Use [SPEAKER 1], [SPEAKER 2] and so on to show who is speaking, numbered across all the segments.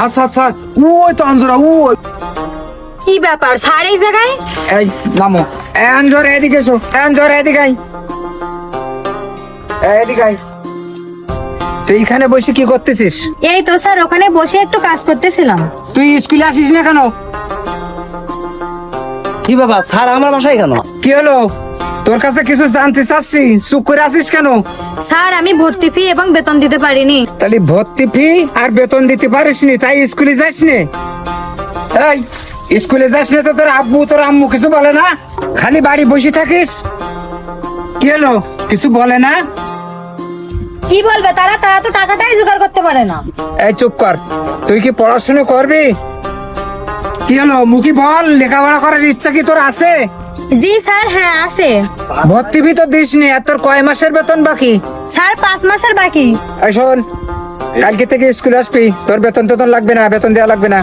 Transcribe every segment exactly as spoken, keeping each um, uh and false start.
[SPEAKER 1] Sir sir sir ওই তো আঞ্জরা ওই।
[SPEAKER 2] কি ব্যাপার স্যার এই জায়গায়?
[SPEAKER 1] এই নামো। এই আঞ্জরা এদিকে এসো। এই আঞ্জরা এদিকে আই। এই এদিকে আই। তুই এখানে বসে কি করতেছিস?
[SPEAKER 2] এই তো স্যার ওখানে বসে একটু কাজ করতেছিলাম।
[SPEAKER 1] তুই স্কুলে আসিস না কেন?
[SPEAKER 3] কি বাবা স্যার আমার বাসায় কেন?
[SPEAKER 1] কি হলো? তোর কাছে কিছু জানতে চাচ্ছি, চুপ করে আসিস কেন?
[SPEAKER 2] স্যার আমি ভর্তি ফি এবং বেতন দিতে পারিনি।
[SPEAKER 1] তাহলে ভর্তি ফি আর বেতন দিতে পারিসনি, তাই স্কুলে যাসনি? এই স্কুলে যাসনি তো তোর আব্বু তোর আম্মু কিছু বলে না? খালি বাড়ি বসে থাকিস। কি হলো? কিছু বলে না?
[SPEAKER 2] কি বলবে তারা? তারা তো টাকাটাই জোগাড় করতে পারে না।
[SPEAKER 1] এই চুপ কর। তুই কি পড়াশোনা করবি? কি হলো মুখি বল, লেখাপড়া করার ইচ্ছা কি তোর আছে?
[SPEAKER 2] জি স্যার, হ্যাঁ আছে।
[SPEAKER 1] ভর্তি ফি তো দিসনি, আর তোর কয় মাসের বেতন বাকি?
[SPEAKER 2] স্যার পাঁচ মাসের বাকি।
[SPEAKER 1] এই শোন, কালকে থেকে স্কুলে আসবি। তোর বেতন টেতন লাগবে না, বেতন দেওয়া লাগবে না।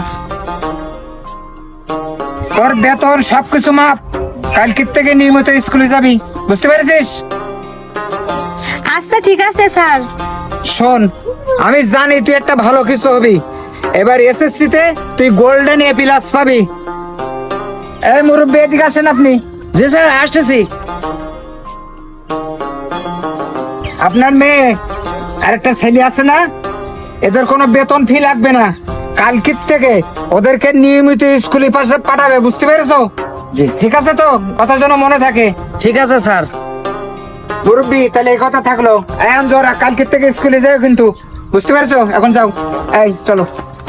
[SPEAKER 1] তোর বেতন সবকিছু মাপ। কালকে থেকে নিয়মিত স্কুলে যাবি, বুঝতে পেরেছিস?
[SPEAKER 2] আচ্ছা ঠিক আছে স্যার।
[SPEAKER 1] শোন, আমি জানি তুই একটা ভালো কিছু হবি। এবার এসএসসি তে তুই গোল্ডেন এ প্লাস পাবি। এই মুরব্বী এদিকে আসেন আপনি।
[SPEAKER 3] জি স্যার আসতেছি।
[SPEAKER 1] আপনার মেয়ে আর একটা ছেলে আছে না, এদের কোনো বেতন ফি লাগবে না। কালকের থেকে ওদেরকে নিয়মিত স্কুলে পাশে পাঠাবে, বুঝতে পেরেছো?
[SPEAKER 3] জি
[SPEAKER 1] ঠিক আছে তো? কথা যেন মনে থাকে।
[SPEAKER 3] ঠিক আছে স্যার।
[SPEAKER 1] মুরব্বী তাহলে এই কথা থাকলো। এখন জোরা কালকের থেকে স্কুলে যাও কিন্তু, বুঝতে পেরেছো? এখন যাও। এই চলো।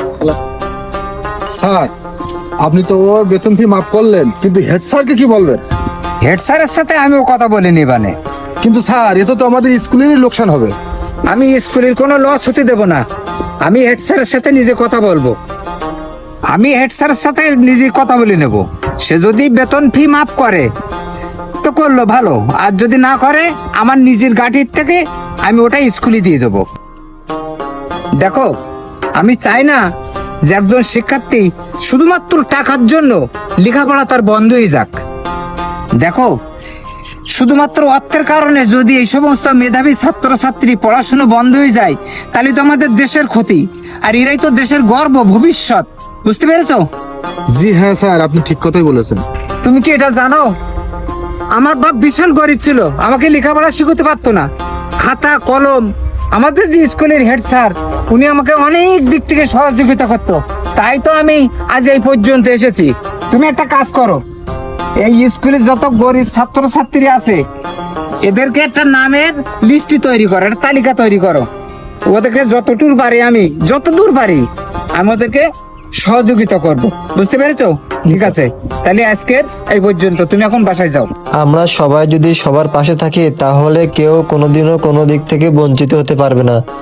[SPEAKER 4] স্যার আপনি তো ওর বেতন ফি মাফ করলেন, কিন্তু হেড স্যারকে কি বলবেন?
[SPEAKER 1] হেড স্যারের সাথে আমিও কথা বলিনি বানে।
[SPEAKER 4] কিন্তু স্যার এতে তো আমাদের স্কুলেরই লোকসান হবে।
[SPEAKER 1] আমি স্কুলের কোনো লস হতে দেব না। আমি হেড স্যারের সাথে নিজে কথা বলবো। আমি হেড স্যারের সাথে নিজে কথা বলে নেব। সে যদি বেতন ফি মাফ করে তো করলো ভালো, আর যদি না করে আমার নিজের গাড়ির থেকে আমি ওটা স্কুলে দিয়ে দেবো। দেখো, আমি চাই না যে একজন শিক্ষার্থী শুধুমাত্র টাকার জন্য লেখাপড়া তার বন্ধ হয়ে যাক। দেখো, শুধুমাত্র অর্থের কারণে যদি এই সমস্ত মেধাবী ছাত্রছাত্রী পড়াশোনা বন্ধ হয়ে যায়, তাহলে তো আমাদের দেশের ক্ষতি। আর এরাই তো দেশের গর্ব, ভবিষ্যৎ, বুঝতে পেরেছো?
[SPEAKER 4] জি হ্যাঁ স্যার, আপনি ঠিক কথাই বলেছেন।
[SPEAKER 1] তুমি কি এটা জানো? আমার বাপ বিশাল গরিব ছিল, আমাকে লেখাপড়া শিখতে পারতো না। খাতা কলম, আমাদের যে স্কুলের হেড স্যার, উনি আমাকে অনেক দিক থেকে সহযোগিতা করতো। তাই তো আমি আজ এই পর্যন্ত এসেছি। তুমি একটা কাজ করো, এই স্কুলে যত গরিব ছাত্রছাত্রী আছে এদেরকে একটা নামের লিস্ট তৈরি করো, একটা তালিকা তৈরি করো। ওদেরকে যতদূর পারি, আমি যতদূর পারি আমি ওদেরকে সহযোগিতা করব, বুঝতে পেরেছো? ঠিক আছে, তাহলে আজকের এই পর্যন্ত। তুমি এখন বাসায় যাও।
[SPEAKER 5] আমরা সবাই যদি সবার পাশে থাকি তাহলে কেউ কোনোদিনও কোনো দিক থেকে বঞ্চিত হতে পারবে না।